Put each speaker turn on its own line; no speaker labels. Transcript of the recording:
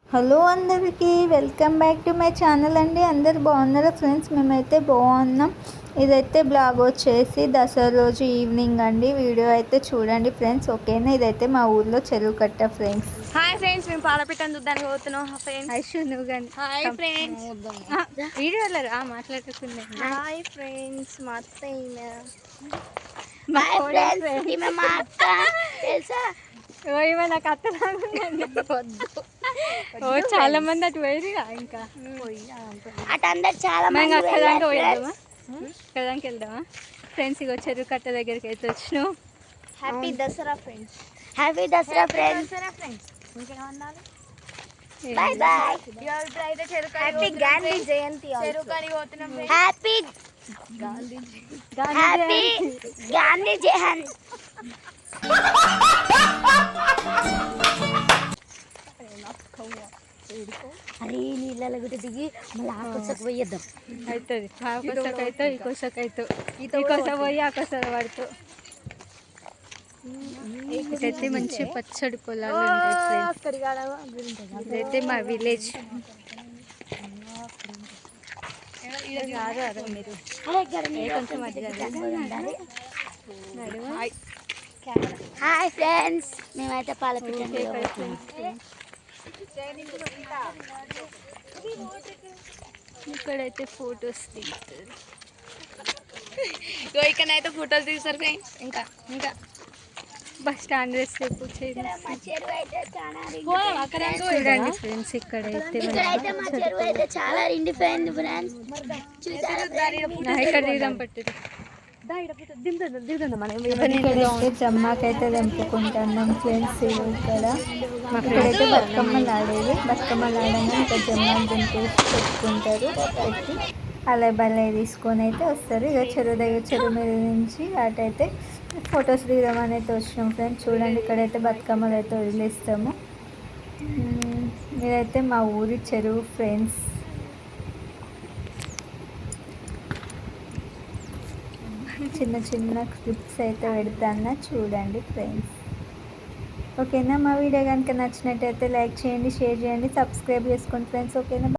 Hello అందరికీ welcome back to my channel అండి. అందరు బాగున్నారా ఫ్రెండ్స్? మేమైతే బాగున్నాం. ఇదైతే బ్లాగ్ వచ్చేసి దసరా రోజు ఈవినింగ్ అండి. వీడియో అయితే చూడండి ఫ్రెండ్స్, ఓకేనా? ఇదైతే మా ఊర్లో చెరువు కట్ట ఫ్రెండ్స్.
హాయ్ ఫ్రెండ్స్, మేము పాలపిట్టను చూద్దానికి పోతున్నాం.
ఐషు నువ్వు కానీ
హాయ్ ఫ్రెండ్స్,
వీడియోలో మాట్లాడుకుందా.
హాయ్ ఫ్రెండ్స్, మా అత్తయ్య
నాకు ఓ చాలా మంది అటు పోయి ఇంకా
అటు అందరు చాలా మంది
అక్కదానికి పోయిద్దామా, అక్కదానికి వెళ్దామా ఫ్రెండ్స్? ఇక చెరువు కట్ట దగ్గరికి అయితే వచ్చినాం.
Happy Dasara friends, happy Dasara friends. Bye bye. Happy Gandhi Jayanti. Happy Gandhi Jayanti. అరే నీళ్ళ గుట్టి దిగి మళ్ళీ ఆకొసకు పోయేద్దాం.
అవుతుంది ఆకొసకు అయితే ఈకొసకు అయితే ఈకొస పోయి ఆకొస పడుతూ ఇదైతే మంచి పచ్చడి పొలాలు ఉంటాయి. ఇదైతే మా విలేజ్.
హాయ్ ఫ్రెండ్స్, మేమైతే పాలపిట్ట
ఇక్కడైతే ఫొటోస్ దిగుతారు.
ఇక్కడైతే ఫోటోలు తీస్తారు ఫ్రెండ్స్. ఇంకా ఇంకా
బస్ స్టాండ్ వేస్తే
చూడండి
ఫ్రెండ్స్, ఇక్కడైతే
మా చెరువు అయితే చాలా ఎండిపోయింది ఫ్రెండ్స్.
ఇక్కడ దిగుదాం పట్టింది. జమ్మాకైతే దంపుకుంటున్నాం ఫ్రెండ్స్. ఇక్కడైతే బతుకమ్మలు ఆడేది. బతుకమ్మలు ఆడగా ఇంకా జమ్మాకు దింపేసి పెట్టుకుంటారు. పెట్టి అలా బలే తీసుకొని అయితే వస్తారు. ఇక చెరువు దగ్గర చెరువు మీద నుంచి అటైతే ఫొటోస్ దిగదామని అయితే వచ్చినాం ఫ్రెండ్స్. చూడండి, ఇక్కడైతే బతుకమ్మలు అయితే వదిలేస్తాము. ఇదైతే మా ఊరి చెరువు ఫ్రెండ్స్. చిన్న చిన్న క్లిప్స్ అయితే పెడతాను, చూడండి ఫ్రెండ్స్. ఓకేనా? మా వీడియో కనుక నచ్చినట్టయితే లైక్ చేయండి, షేర్ చేయండి, సబ్స్క్రైబ్ చేసుకోండి ఫ్రెండ్స్. ఓకేనా?